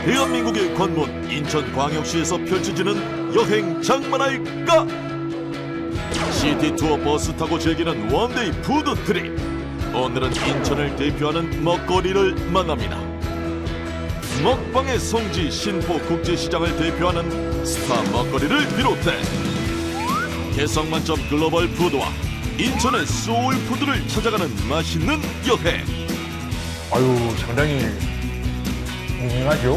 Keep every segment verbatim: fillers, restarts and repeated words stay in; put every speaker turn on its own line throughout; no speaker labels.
대한민국의 관문 인천광역시에서 펼쳐지는 여행 장만할까? 시티투어 버스 타고 즐기는 원데이 푸드 트립. 오늘은 인천을 대표하는 먹거리를 만납니다. 먹방의 성지 신포 국제시장을 대표하는 스타 먹거리를 비롯해 개성만점 글로벌 푸드와 인천의 소울푸드를 찾아가는 맛있는 여행.
아유, 상당히 유명하죠?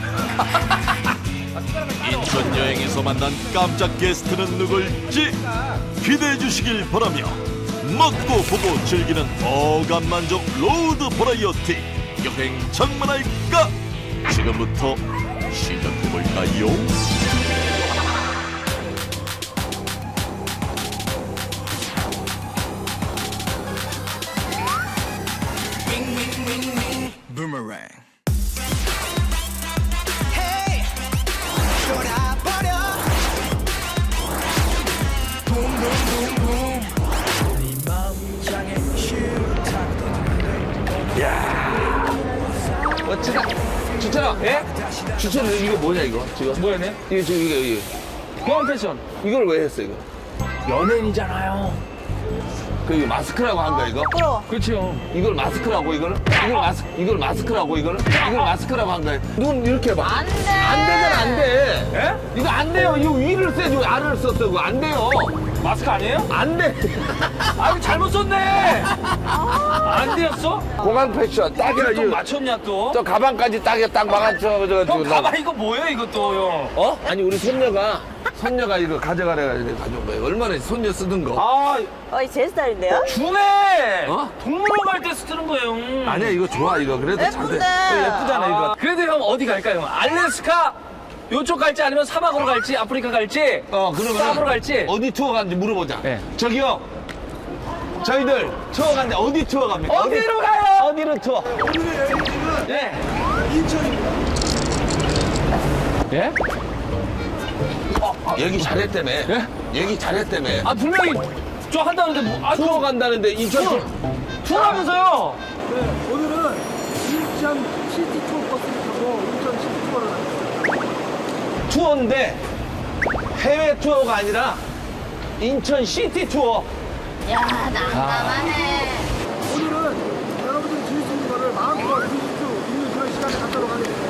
인천 여행에서 만난 깜짝 게스트는 누굴지 기대해 주시길 바라며 먹고 보고 즐기는 어감만족 로드 버라이어티 여행 장만할까? 지금부터 시작해볼까요?
Boomerang.
멋지다. 주철아, 예? 주철아, 이거 뭐냐, 이거? 지금?
뭐였네?
이거, 지금, 이거, 이거.
공항 패션.
이걸 왜 했어, 이거?
연예인이잖아요.
그, 이거 마스크라고 한 거야, 이거?
그렇죠.
이걸 마스크라고, 이거를? 이걸 마스, 이걸 마스크라고, 이거를? 이걸 마스크라고 한 거야. 눈 이렇게 해봐.
안 돼.
안 되잖아, 안 돼.
예?
이거 안 돼요. 이거 위를 써야지, 왜 아래를 썼어, 이거. 안 돼요.
마스크 아니에요?
안 돼.
아, 이거 잘못 썼네. 안 되었어?
공항 패션, 딱이야,
또
이거.
맞췄냐 또?
저 가방까지 딱이야, 딱 막아줘. 저,
형
저,
가방 이거 뭐예요 이것도 형?
어? 아니, 우리 손녀가, 손녀가 이거 가져가래가지고 가져온 거예요. 얼마나 손녀 쓰던 거.
아
어, 이 제 스타일인데요?
주네.
어?
동물원 갈 때 쓰는 거예요.
아니야, 이거 좋아, 이거. 그래도 잘 돼.
예쁜데.
어, 예쁘잖아, 이거.
그래도 형 어디 갈까요? 형? 알래스카 요쪽 갈지 아니면 사막으로 갈지 아프리카 갈지
어, 그러면
쌈으로 갈지.
어디 투어 가는지 물어보자.
네.
저기요. 저희들 투어 가는데 어디 투어 갑니까?
어디로 가요?
어디로 투어?
오늘의 여행지는
예.
인천입니다.
예?
얘기 잘했다며.
예?
얘기 잘했다며.
아 분명히 저 한다는데 뭐, 아,
투어 간다는데 인천 투어.
투어하면서요.
네, 오늘은 인천 시티 투어 버스를 타고 인천 시티 투어를 가겠습니다.
투어인데 해외 투어가 아니라 인천 시티 투어.
야, 난감하네.
오늘은 여러분들이 즐길 수 있는 거를 마음껏 즐길 수 있는 그런 시간을 갖도록 하겠습니다.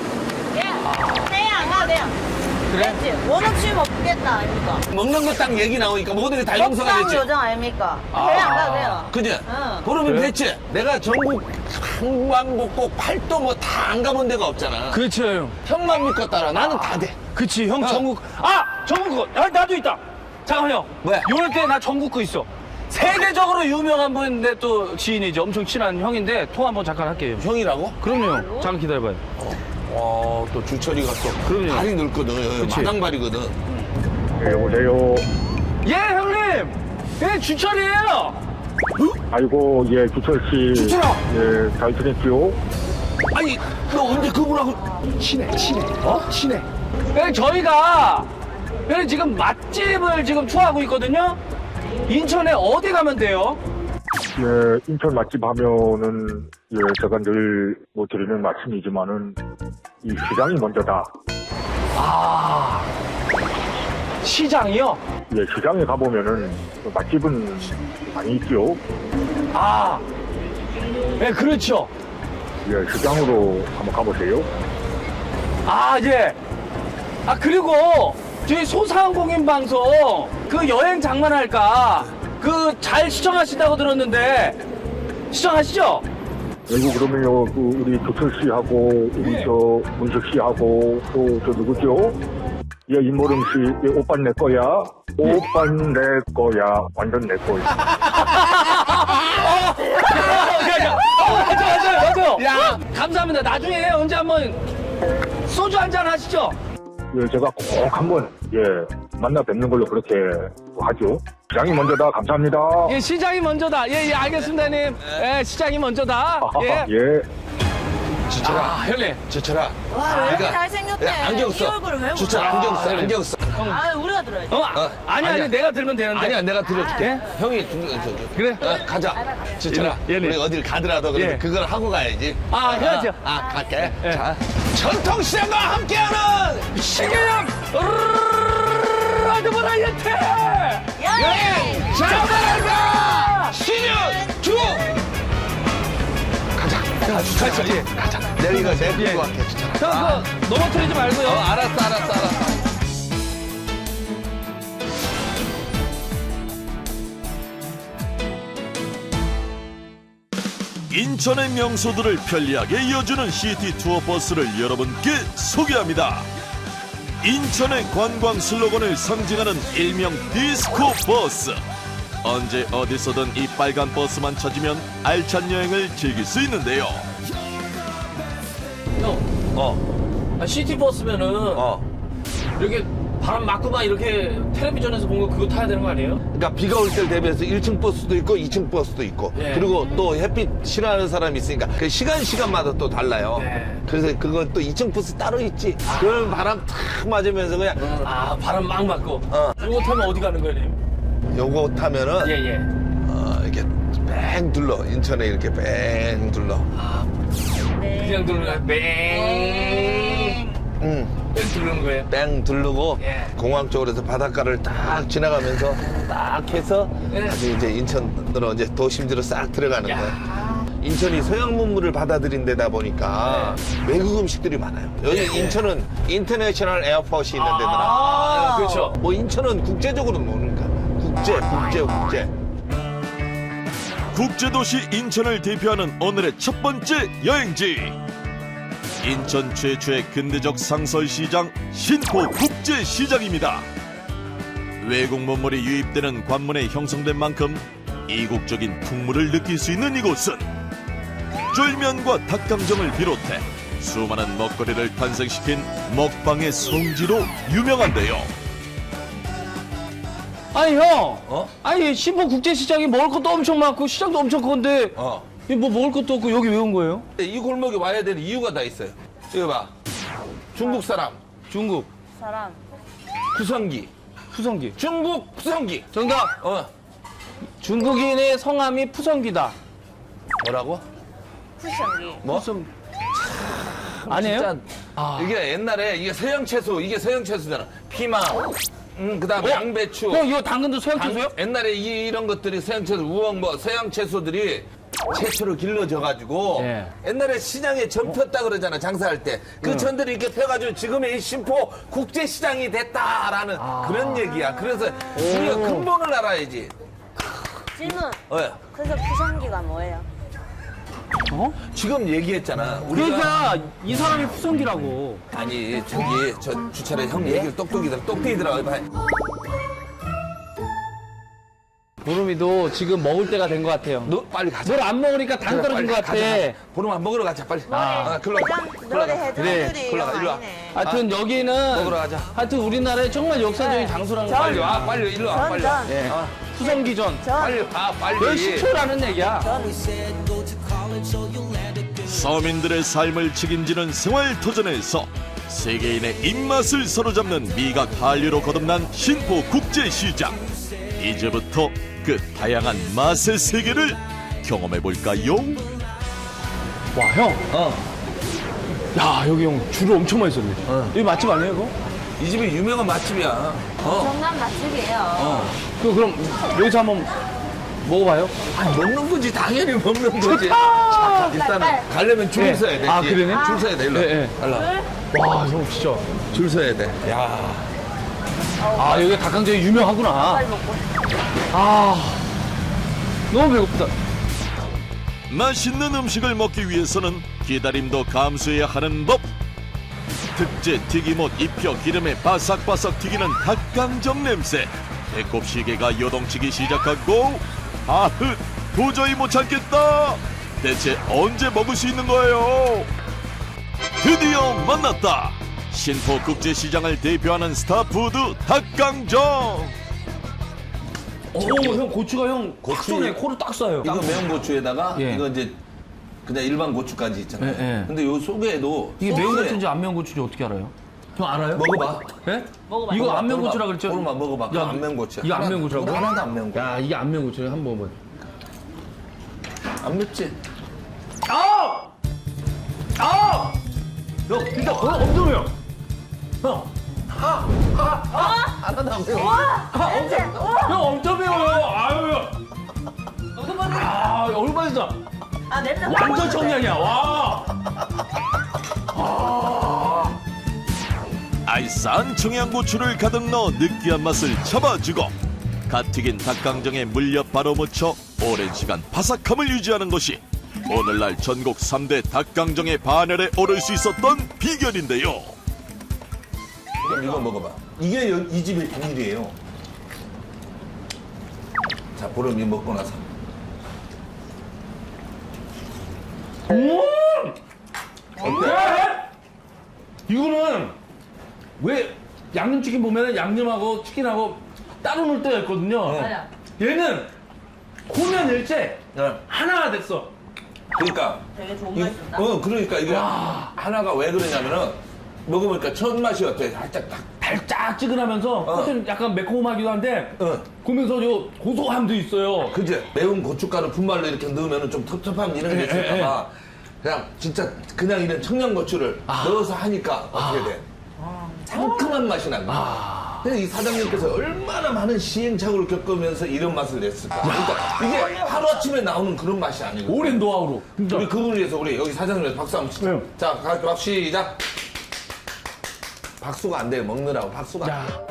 야, 돼요, 안 가도 돼요.
그래?
됐지? 원업 취임 없겠다, 아닙니까?
먹는 거 딱 얘기 나오니까 모든 게 다 용서가
먹방
됐지.
요정 아닙니까? 해외 안 가도 돼요.
그지?
응.
그러면
그래?
됐지. 내가 전국 한광복곡 팔도 뭐 다 안 가본 데가 없잖아.
그렇죠 형.
형만 믿고 따라. 나는 다 돼.
그치 형
어.
전국 아 전국 거 아, 나도 있다. 잠깐만 형.
왜?
요럴 때 나 전국 거 있어. 세계적으로 유명한 분인데 또 지인이죠. 엄청 친한 형인데 통화 한번 잠깐 할게요.
형이라고?
그럼요. 형. 잠깐 기다려봐요.
와, 또 주철이가 또
그럼요.
발이 늙거든.
그치.
마당발이거든.
네, 여보세요.
예 형님. 예 주철이에요.
아이고, 예, 주철 씨.
주철아!
예, 잘 지냈지요?
아니, 너 언제 그분하고
친해 친해. 어? 친해. 예 저희가 예, 지금 맛집을 지금 투어하고 있거든요. 인천에 어디 가면 돼요?
예, 인천 맛집 하면은, 예, 제가 늘 뭐 드리는 말씀이지만은, 이 시장이 먼저다.
아 시장이요?
예, 시장에 가보면은, 그 맛집은 많이 있지요?
아, 예, 그렇죠.
예, 시장으로 한번 가보세요.
아, 예. 아, 그리고 저희 소상공인 방송 그 여행 장만할까 그 잘 시청하신다고 들었는데 시청하시죠?
그리고 그러면요, 그 우리 조철 씨하고, 우리
예.
저 문석 씨하고, 또 저 누구죠? 예, 임모름 씨, 예, 오빤 내 거야. 오빤 내 거야. 완전 내 거야.
어, 맞아, 맞아요, 맞아요.
야.
감사합니다. 나중에 언제 한번 소주 한잔 하시죠?
예, 제가 꼭 한번, 예, 만나 뵙는 걸로 그렇게 하죠. 시장이 먼저다. 감사합니다.
예, 시장이 먼저다. 예, 예, 알겠습니다, 님. 예, 시장이 먼저다. 예.
예.
주철아.
아, 형님.
주철아.
와, 왜 이렇게
내가-
잘생겼대?
야, 안경
이
써.
얼굴을 왜
주철
몰라?
안경 써. 안경 써.
형.
아, 우리가 들어야지.
어, 아, 아니, 아니,
아니야.
내가 들면 되는데.
아니야, 내가 들어줄게.
예?
형이 중, 저, 저,
그래?
어, 가자. 진짜라.
예, 예,
우리
네.
어딜 가더라도 그래.
예.
그걸 하고 가야지.
아, 해야죠.
아, 아, 갈게.
예.
자, 전통시장과 함께하는
신개념 라드 버라이어티!
여행!
자발가 신년 주 가자. 가자. 예. 가자. 내가 이거 제일
예.
끌고 갈게. 진짜.
형, 그거 넘어뜨리지 말고요.
어, 알았어, 알았어, 알았어.
인천의 명소들을 편리하게 이어주는 시티 투어 버스를 여러분께 소개합니다. 인천의 관광 슬로건을 상징하는 일명 디스코 버스. 언제 어디서든 이 빨간 버스만 찾으면 알찬 여행을 즐길 수 있는데요.
형,
어,
아, 시티버스면은
어.
이렇게 바람 맞고 막 이렇게 텔레비전에서 본 거 그거 타야 되는 거 아니에요?
그러니까 비가 올 때를 대비해서 일 층 버스도 있고 이 층 버스도 있고
예.
그리고 또 햇빛 싫어하는 사람이 있으니까 그 시간 시간마다 또 달라요.
예.
그래서 그건 또 이 층 버스 따로 있지. 그럼 바람 탁 맞으면서 그냥
아, 바람 막 맞고.
어.
이거 타면 어디 가는 거예요, 님?
요거 타면은
예, 예.
어, 이렇게 뺑 둘러 인천에 이렇게 뺑 둘러.
아, 그냥 들어가 뺑.
응.
뺑 들르는 거예요?
뺑 두르고
예.
공항 쪽으로 해서 바닷가를 딱 지나가면서 딱 해서
예.
다시 이제 인천으로 이제 도심지로 싹 들어가는
야.
거예요. 인천이 서양 문물을 받아들인 데다 보니까 외국 음식들이 많아요. 여기
예, 예.
인천은 인터내셔널 에어포트 있는 데더라.
아, 그렇죠.
뭐 인천은 국제적으로 노니까 국제, 국제, 국제.
국제도시 인천을 대표하는 오늘의 첫 번째 여행지. 인천 최초의 근대적 상설시장 신포국제시장입니다. 외국 문물이 유입되는 관문에 형성된 만큼 이국적인 풍물을 느낄 수 있는 이곳은 쫄면과 닭강정을 비롯해 수많은 먹거리를 탄생시킨 먹방의 성지로 유명한데요.
아니, 형.
어?
아니, 신포 국제시장이 먹을 것도 엄청 많고 시장도 엄청 큰데
어.
이 뭐 먹을 것도 없고 여기 왜 온 거예요?
이 골목에 와야 되는 이유가 다 있어요. 이거 봐. 중국 사람,
중국
사람.
푸성기.
푸성기.
중국 푸성기.
정답.
어.
중국인의 성함이 푸성기다.
뭐라고?
쿠션기.
뭐?
무슨 아니에요?
진짜
아.
이게 옛날에 이게 서양 채소, 이게 서양 채소잖아. 피망, 음, 그다음에
어?
양배추.
형 이거 당근도 서양
당-
채소요?
옛날에 이, 이런 것들이 서양 채소, 우엉 뭐 서양 채소들이 채소로 길러져가지고
예.
옛날에 시장에 전 폈다 그러잖아 장사할 때 그 전들이 이렇게 펴가지고 지금의 이 신포 국제시장이 됐다라는 그런 얘기야. 그래서 우리가 근본을 알아야지.
질문.
어,
그래서 쿠션기가 뭐예요?
어?
지금 얘기했잖아. 우리가
그러니까 이 사람이 푸성기라고.
아니 저기 저 주차를 형 얘기를 똑똑이더라 똑똑이더라. 봐.
보름이도 지금 먹을 때가 된 것 같아요.
너 빨리 가자.
뭘 안 먹으니까 당 떨어진 것 같아.
보름아 먹으러 가자 빨리.
아.
글로 가. 글로
노래
가.
해줘들이
글로 가,
영
일로 와.
아니네.
하여튼 여기는
먹으러 가자.
하여튼 우리나라의 정말 역사적인
네.
장소라는 거
전-
빨리 와 빨리 일로 와
전,
빨리. 와.
전.
예.
어.
푸성기전.
전.
빨리 와 빨리.
왜 시초라는 얘기야?
서민들의 삶을 책임지는 생활터전에서 세계인의 입맛을 사로잡는 미각 한류로 거듭난 신포 국제시장. 이제부터 그 다양한 맛의 세계를 경험해볼까요?
와, 형.
어.
야, 여기 형 줄을 엄청 많이 섰네. 여기 맛집 아니에요, 이거?
이 집이 유명한 맛집이야. 어.
정남 맛집이에요.
그, 그럼 여기서 한번 먹어봐요.
아니 먹는 거지 당연히 먹는 거지.
아,
일단은
빨리.
가려면 줄을
네.
서야 돼.
아, 그러네?
줄 서야 돼. 일로.
네, 네.
일로.
와, 형 진짜.
줄 서야 돼. 야.
아, 여기 닭강정이 유명하구나.
빨리 먹고.
아, 너무 배고프다.
맛있는 음식을 먹기 위해서는 기다림도 감수해야 하는 법. 특제 튀김옷 입혀 기름에 바삭바삭 튀기는 닭강정 냄새. 배꼽 시계가 요동치기 시작하고 아흐 도저히 못 참겠다. 대체 언제 먹을 수 있는 거예요? 드디어 만났다. 신포 국제시장을 대표하는 스타푸드 닭강정.
오, 형 고추가 형
고추.
고추네 코를 딱 쏴요.
이거 매운 고추에다가
예.
이거 이제 그냥 일반 고추까지 있잖아요.
예, 예.
근데 요 속에도
이게 매운
소스에
고추인지 안 매운 고추인지 어떻게 알아요? 형 알아요?
먹어봐.
예?
먹어봐.
이거
먹어봐,
안면고추라 그랬죠?
오늘만 먹어봐. 그거
야,
안면고추야.
이거
하나-
안면고추라고?
이거 하나도 안 매운 거.
야, 이게 안면고추야. 한번 먹어봐.
안 맵지?
아! 아! 형, 진짜 그거 엄청 매워. 형,
하나도 안 매워.
냄새.
형 엄청 매워요. 아유. 아, 얼마나 진짜
아 냄새.
완전 청량이야. 와.
알싸한 청양고추를 가득 넣어 느끼한 맛을 잡아주고 갓 튀긴 닭강정에 물엿 바로 묻혀 오랜 시간 바삭함을 유지하는 것이 오늘날 전국 삼 대 닭강정의 반열에 오를 수 있었던 비결인데요.
그럼 이거 먹어봐. 이게 여- 이 집의 비밀이에요. 자, 보름이 먹고 나서.
음! 어때? 이거는 왜 양념치킨 보면은 양념하고 치킨하고 따로 놓을 때가 있거든요.
맞아.
얘는 코면 일체
네.
하나가 됐어.
그러니까.
되게 좋은
이-
맛이 난다.
어, 그러니까 이게 하나가 왜 그러냐면은 먹어보니까 첫 맛이 어때? 살짝 딱.
달짝지근하면서 겉은 약간 매콤하기도 한데
어.
그러면서 요 고소함도 있어요.
그지? 매운 고춧가루 분말로 이렇게 넣으면 좀 텁텁함 이런 게
예, 예,
있을까봐 그냥 진짜 그냥 이런 청양고추를 넣어서 하니까 어떻게 돼? 상큼한 맛이 난다. 근데 이 사장님께서 얼마나 많은 시행착오를 겪으면서 이런 맛을 냈을까? 그러니까 이게 하루아침에 나오는 그런 맛이 아니고.
오랜 노하우로. 진짜.
우리 그분을 위해서 우리 여기 사장님한테 박수 한번 치자.
네.
자, 박 시작. 박수가 안 돼요. 먹느라고 박수가 안
야,
돼요.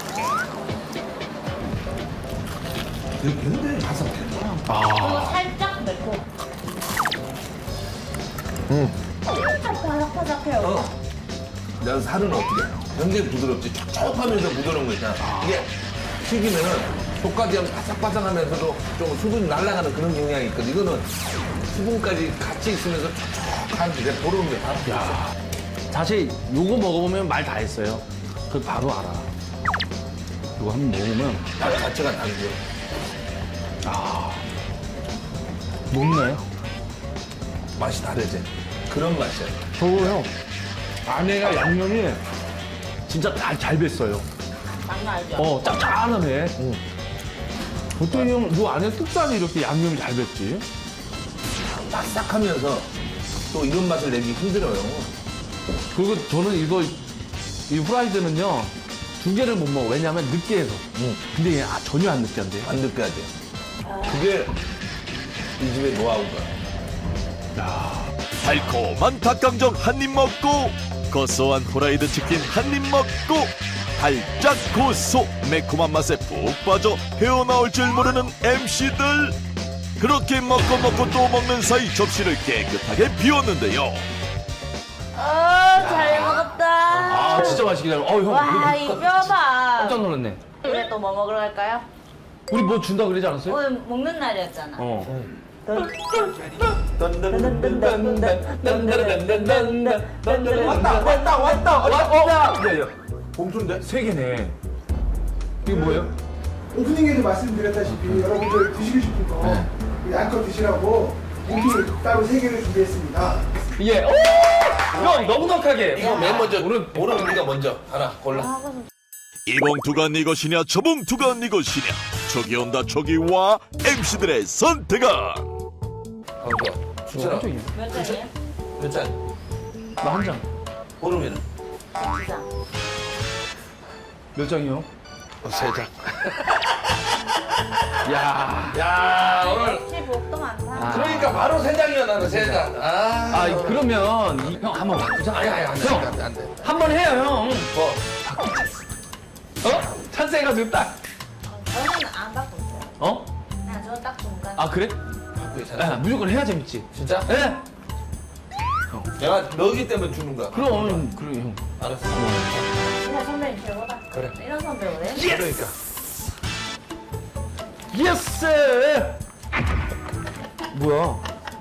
되게 굉장히 바삭해.
그리고 살짝 매콤. 음. 살짝 바삭바삭해요.
어. 내가 살은 어떻게 해? 굉장히 부드럽지. 촉촉하면서 부드러운 거 있잖아. 이게 튀기면은 속까지 하면 바삭바삭하면서도 좀 수분이 날아가는 그런 경향이 있거든. 이거는 수분까지 같이 있으면서 촉촉한 게 보러운 게 바로 있어.
사실 요거 먹어보면 말 다 했어요. 그 바로 알아. 이거 한번 먹으면
맛 자체가 다르죠.
먹나요?
맛이 다르지. 그런 맛이야.
저거요. 안에가 양념이 진짜 잘, 잘 뱄어요.
장난 아니죠?
어, 짭짤하네. 보통 형, 요 안에 특산이 이렇게 양념이 잘 뱄지.
바삭하면서 또 이런 맛을 내기 힘들어요.
그리고 저는 이거, 이 후라이드는요, 두 개를 못 먹어. 왜냐면 느끼해서. 근데 얘 아, 전혀 안 느끼한데.
안 느껴야지. 그게 이 집의 노하우가.
달콤한 닭강정 한 입 먹고 고소한 후라이드 치킨 한 입 먹고 달짝 고소 매콤한 맛에 푹 빠져 헤어나올 줄 모르는 엠씨들. 그렇게 먹고 먹고 또 먹는 사이 접시를 깨끗하게 비웠는데요.
어, 잘 먹었다.
아, 진짜 맛있게 잘 먹어. 어, 형.
와,
이거
이 뼈봐.
깜짝 놀랐네.
우리 또 뭐 먹으러 갈까요?
우리 뭐 준다 그러지 않았어요?
오늘 먹는 날이었잖아.
어.
왔다,
왔다, 왔다, 왔다. 야, 야.
봉투인데?
세 개네. 이게 뭐예요?
오프닝에도 말씀드렸다시피 여러분들 드시고 싶은 거 양껏 드시라고 고기를 따로 세 개를 준비했습니다.
예. 오! 형, 넉넉하게.
이거 맨 먼저, 오늘, 오늘 우리가 먼저 하나 골라.
이 봉투가 네 것이냐 저 봉투가 네 것이냐 저기 온다 저기 와 엠씨들의 선택은
강수야, 추천아.
깜짝이야.
몇 잔이에요?
몇 잔?
나 한 장.
보름이는?
두 잔.
몇 장이요?
세 잔.
야.
야, 오늘.
역시 복도 많다.
그러니까 바로 세 장이야, 나는 세 잔. 아.
아, 그러면 이- 형 한번 바꾸자.
아니, 아니, 안 돼, 안 돼, 안 돼.
한 번 해요, 형.
뭐,
어? 찬스해가지고 딱.
저는 안 갖고 있어요.
어?
그냥 저는 딱 중간.
아, 그래?
갖고
야,
있잖아.
무조건 해야 재밌지.
진짜?
예?
내가 너기 때문에 주는 거야.
그럼, 그래, 형.
알았어.
그냥 선배님 최고다.
그래.
이런 선배 왜?
그러니까.
예스! 뭐야?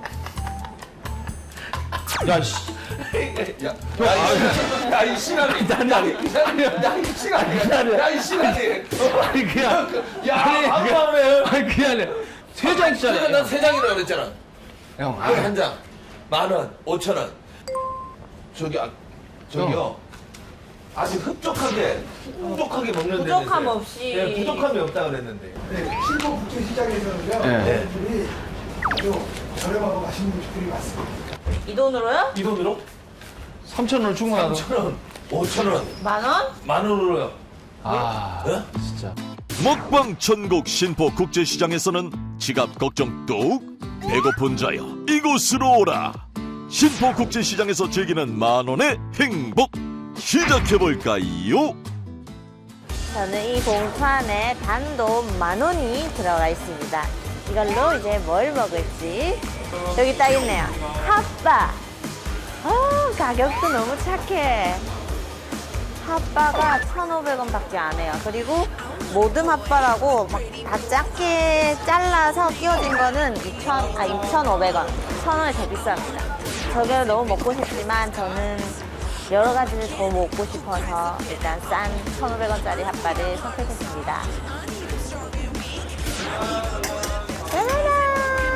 야, 씨.
야, 야, 이 시간이.
아니, 아니.
야, 이 시간이. 야, 이 시간이.
아니, 그냥.
야,
아니,
한
그냥-
번에.
아니, 그게 아니라. 세 장짜리.
그러니까 난세 장이라고 그랬잖아.
형,
아, 한 장. 만 원, 오천 원. 저기, 아, 저기요. 아주 흡족하게, 풍족하게 먹는 데는
부족함
있어요.
없이.
네, 부족함이 없다 그랬는데.
네, 신포 국제시장에서는요.
네.
음식들이 아주 저렴하고 맛있는 음식들이 많습니다.
이 돈으로요?
이 돈으로
삼천 원 충분하다.
삼천 원, 오천 원,
만 원?
만 원으로요.
아,
어?
진짜.
먹방 천국 신포 국제시장에서는 지갑 걱정 뚝 배고픈 자여 이곳으로 오라. 신포 국제시장에서 즐기는 만원의 행복 시작해볼까요?
저는 이 봉투 안에 단돈 만 원이 들어가 있습니다. 이걸로 이제 뭘 먹을지. 여기 딱 있네요. 핫바. 어, 가격도 너무 착해. 핫바가 천오백 원 밖에 안 해요. 그리고 모듬 핫바라고 막 다 작게 잘라서 끼워진 거는 이천, 아, 이천오백 원. 천 원이 더 비쌉니다. 저게 너무 먹고 싶지만 저는 여러 가지를 더 먹고 싶어서 일단 싼 천오백 원짜리 핫바를 선택했습니다. 짜라란!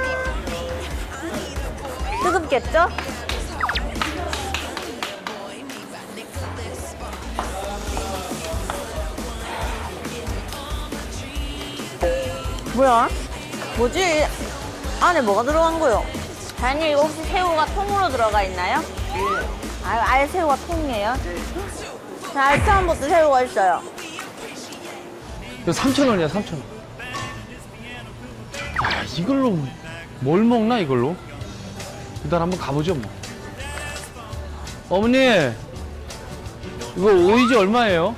뜨겁겠죠? 뭐야? 뭐지? 안에 뭐가 들어간 거요? 사장님 이거 혹시 새우가 통으로 들어가 있나요? 아, 아예 새우가 통이에요? 자, 알차한것도 새우가 있어요.
이거 삼천 원이야, 삼천 원. 야, 이걸로 뭘 먹나, 이걸로? 일단 한번 가보죠, 뭐. 어머니, 이거 오이지 얼마예요?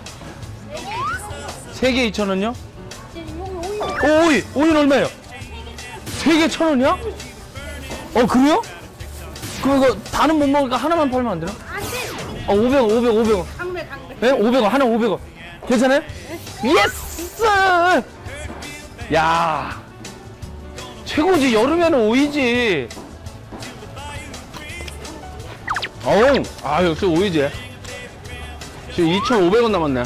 세 개 이천 원요? 오, 오이! 오이는 얼마예요? 세 개 천 원이야? 어, 그래요? 그럼 이거 다는 못 먹으니까 하나만 팔면 안 되나? 안 돼! 어, 오백 원, 오백 원, 오백 원. 강매, 강매. 네? 오백 원, 하나 오백 원. 괜찮아요? 예스! 야, 최고지. 여름에는 오이지. 어우, 아, 역시 오이지. 지금 이천오백 원 남았네.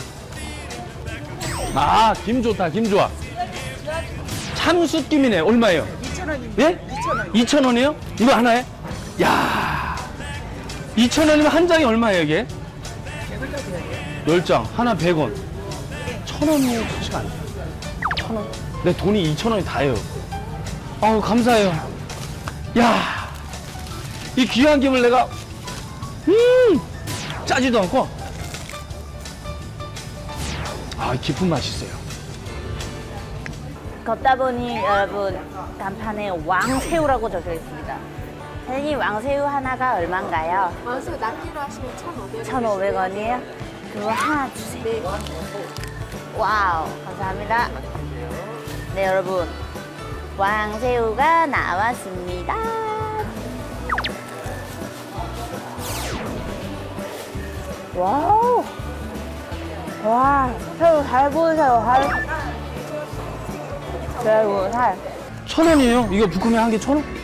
아, 김 좋다, 김 좋아. 참숯김이네. 얼마예요? 이천 원입니다. 예? 이천 원. 이천 원이요? 이거 하나에? 야, 이천 원이면 한 장이 얼마예요, 이게? 열 장. 하나 백 원. 천 원이 좋지가 않네. 천 원. 내 돈이 이천 원이 다예요. 아우, 감사해요. 야, 이 귀한 김을 내가, 음, 짜지도 않고, 아, 깊은 맛이 있어요.
걷다 보니 여러분 간판에 왕새우라고 적혀 있습니다. 선생님 왕새우 하나가 얼마인가요?
왕새우 낱개로 하시면 천오백 원.
천오백 원이에요? 그거 하나 주세요. 와우, 감사합니다. 네, 여러분. 왕새우가 나왔습니다. 와우. 와, 새우 잘 보이세요, 살. 새우 살.
천 원이에요? 이거 부꾸미 한 개 천 원?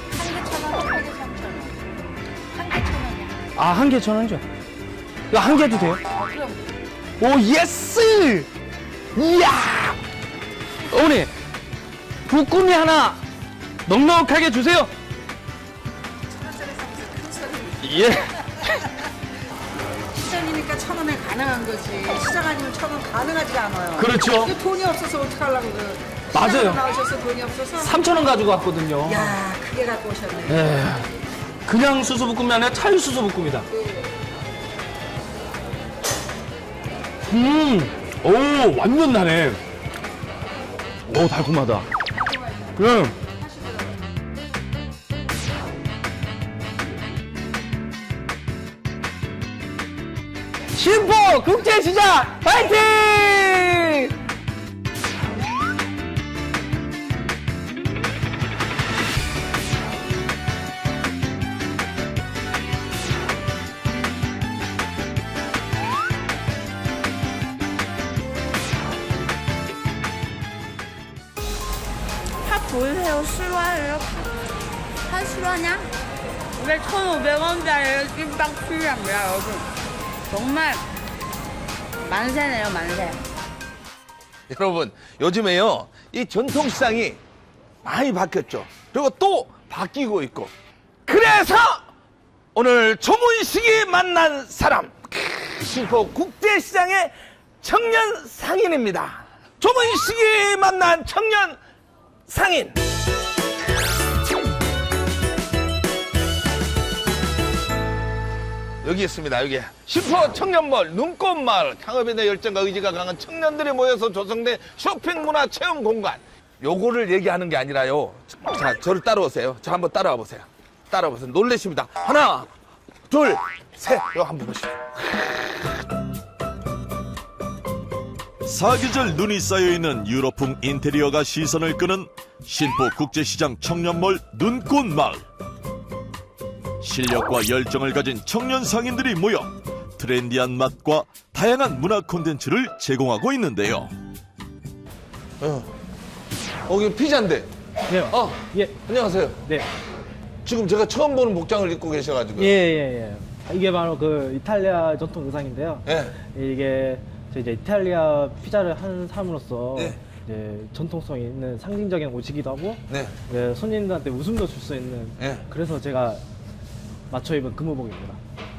아, 한 개 천 원이죠? 이거 한 개도 돼요? 오, 예스! 이야! 어머니, 부꾸미 하나 넉넉하게 주세요. 예.
시장이니까 천 원에 가능한 거지. 시장 아니면 천 원 가능하지가 않아요.
그렇죠.
이거 돈이 없어서 어떡하려고 그.
맞아요.
시장으로 나오셔서 돈이 없어서.
삼천 원 가지고 왔거든요.
야, 크게 갖고 오셨네.
예. 그냥 수수부꾸미 아니라 찰수수부꾸미다. 음, 오, 완전 나네. 오, 달콤하다. 그럼. 신포 국제시장 파이팅!
보이세요? 실화예요? 한 실화냐? 이게 천오백 원짜리 찐빵 필요합니다, 여러분. 정말 만세네요, 만세.
여러분, 요즘에요, 이 전통시장이 많이 바뀌었죠. 그리고 또 바뀌고 있고. 그래서 오늘 조문식이 만난 사람. 신포 국제시장의 청년 상인입니다. 조문식이 만난 청년 상인. 여기 있습니다. 여기 신포 청년몰 눈꽃마을. 창업에 대한 열정과 의지가 강한 청년들이 모여서 조성된 쇼핑 문화 체험 공간. 요거를 얘기하는 게 아니라요. 자, 저를 따라오세요. 저 한번 따라와 보세요. 따라와 보세요. 놀라십니다. 하나, 둘, 셋. 요 한번 보시죠.
사계절 눈이 쌓여있는 유럽풍 인테리어가 시선을 끄는 신포 국제시장 청년몰 눈꽃마을. 실력과 열정을 가진 청년 상인들이 모여 트렌디한 맛과 다양한 문화 콘텐츠를 제공하고 있는데요.
어, 어 이거 피자인데.
네.
어,
예.
안녕하세요.
네.
지금 제가 처음 보는 복장을 입고 계셔가지고.
예, 예, 예. 이게 바로 그 이탈리아 전통 의상인데요.
예.
이게 저 이제 이탈리아 피자를 하는 사람으로서
네.
이제 전통성이 있는 상징적인 옷이기도 하고
네.
네, 손님들한테 웃음도 줄 수 있는
네.
그래서 제가 맞춰 입은 근무복입니다.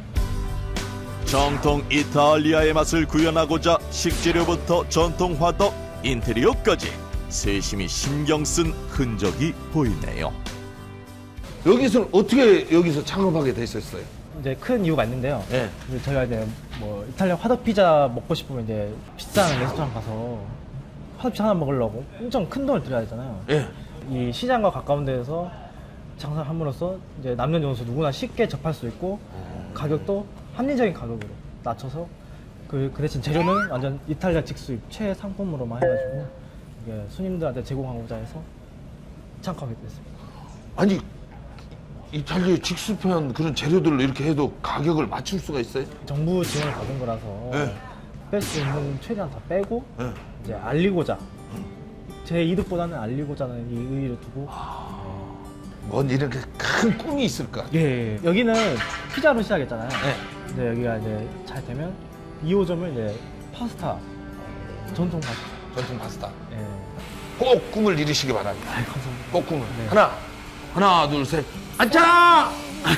정통 이탈리아의 맛을 구현하고자 식재료부터 전통 화덕, 인테리어까지 세심히 신경 쓴 흔적이 보이네요.
여기서는 어떻게 여기서 창업하게 되셨어요?
이제 큰 이유가 있는데요.
네.
이제 저희가 이제 뭐 이탈리아 화덕 피자 먹고 싶으면 이제 비싼 레스토랑 가서 화덕 피자 하나 먹으려고 엄청 큰 돈을 들여야 되잖아요.
예.
이 시장과 가까운 데에서 장사를 함으로써 이제 남녀노소 누구나 쉽게 접할 수 있고 가격도 합리적인 가격으로 낮춰서 그, 그 대신 재료는 완전 이탈리아 직수입 최상품으로만 해가지고 이게 손님들한테 제공하고자 해서 창업하게 됐습니다.
아니 이탈리아 직수편 그런 재료들을 이렇게 해도 가격을 맞출 수가 있어요?
정부 지원을 받은 거라서
네.
뺄 수 있는 최대한 다 빼고
네.
이제 알리고자 제 이득보다는 알리고자는 이 의의를 두고
뭔 이렇게 큰 꿈이 있을 거 아니에요?
예, 예. 여기는 피자로 시작했잖아요.
네.
근데 여기가 이제 잘 되면 이 호점을 이제 파스타 전통 파스타.
전통 파스타.
예.
꼭 꿈을 이루시기 바랍니다.
아이, 감사합니다.
꼭 꿈을.
네.
하나, 하나, 둘, 셋. 앉아!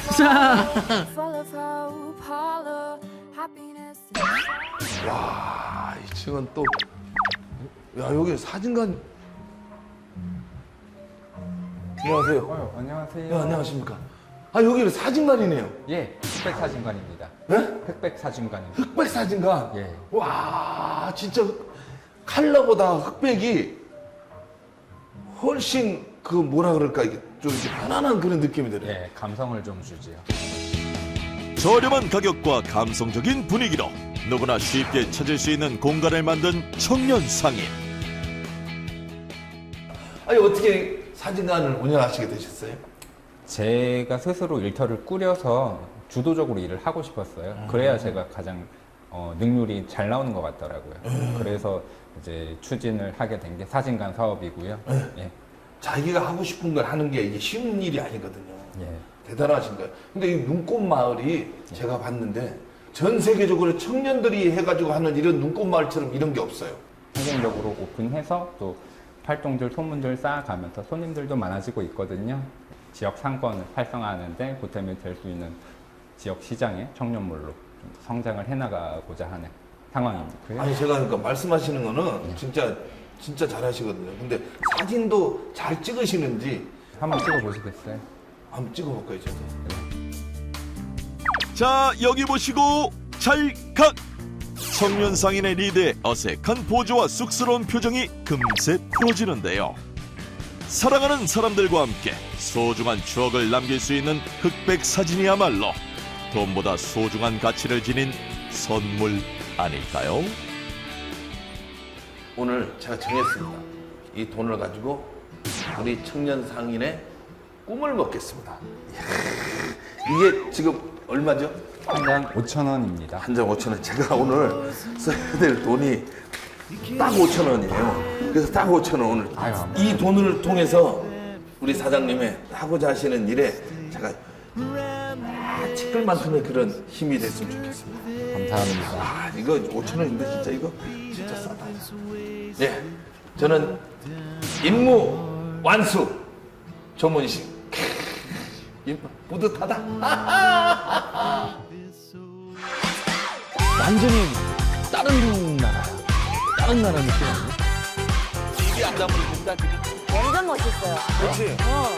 와, 이 층은 또. 야, 여기 사진관. 안녕하세요.
어, 안녕하세요.
야, 안녕하십니까. 아, 여기는 사진관이네요.
예, 흑백 사진관입니다.
네?
흑백 사진관입니다.
흑백 사진관.
예.
와, 진짜 칼라보다 흑백이 훨씬 그 뭐라 그럴까 이게 좀 이렇게 편안한 그런 느낌이 들어요.
예, 감성을 좀 주지요.
저렴한 가격과 감성적인 분위기로 누구나 쉽게 찾을 수 있는 공간을 만든 청년 상인.
아니 어떻게 사진관을 운영하시게 되셨어요?
제가 스스로 일터를 꾸려서 주도적으로 일을 하고 싶었어요. 그래야 제가 가장 어, 능률이 잘 나오는 것 같더라고요. 그래서 이제 추진을 하게 된 게 사진관 사업이고요. 예.
자기가 하고 싶은 걸 하는 게 이게 쉬운 일이 아니거든요.
예.
대단하신 거예요. 근데 이 눈꽃 마을이 제가 봤는데 전 세계적으로 청년들이 해가지고 하는 이런 눈꽃 마을처럼 이런 게 없어요.
성공적으로 오픈해서 또 활동들, 소문들 쌓아가면서 손님들도 많아지고 있거든요. 지역 상권을 활성화하는 데 보탬이 될 수 있는 지역 시장의 청년몰로 좀 성장을 해나가고자 하는 상황입니다.
아니 제가 그러니까 말씀하시는 거는 진짜 진짜 잘하시거든요. 근데 사진도 잘 찍으시는지
한번 찍어보시겠어요?
한번 찍어볼까요, 저도?
자, 여기 보시고 찰칵. 청년 상인의 리드에 어색한 포즈와 쑥스러운 표정이 금세 풀어지는데요. 사랑하는 사람들과 함께 소중한 추억을 남길 수 있는 흑백 사진이야말로 돈보다 소중한 가치를 지닌 선물 아닐까요?
오늘 제가 정했습니다. 이 돈을 가지고 우리 청년 상인의 꿈을 먹겠습니다. 이야, 이게 지금 얼마죠?
한 장 오천 원입니다.
한 장 오천 원. 제가 오늘 써야 될 돈이 딱 오천 원이에요. 그래서 딱 오천 원 오늘.
아유,
이 돈을 통해서 우리 사장님의 하고자 하시는 일에 제가 아, 티끌만큼의 그런 힘이 됐으면 좋겠습니다.
감사합니다.
아, 이거 오천 원인데 진짜 이거 진짜 싸다. 네, 저는 임무 완수 조문식. 뿌듯하다.
완전히 다른 나라야. 다른 나라 느낌 아니야?
이게 안나무입니다.
완전 멋있어요.
그렇지.
어.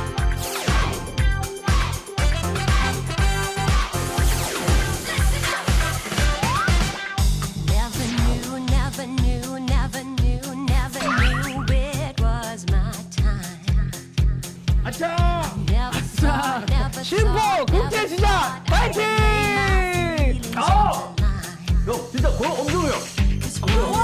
Never knew, never knew, never knew, never knew it was my time.
아차!
Never saw, never
심포
saw,
국제
never
시장
thought
파이팅!
I would leave my feelings
어!
on the line.
형 진짜 거 엄청해요.
Cause we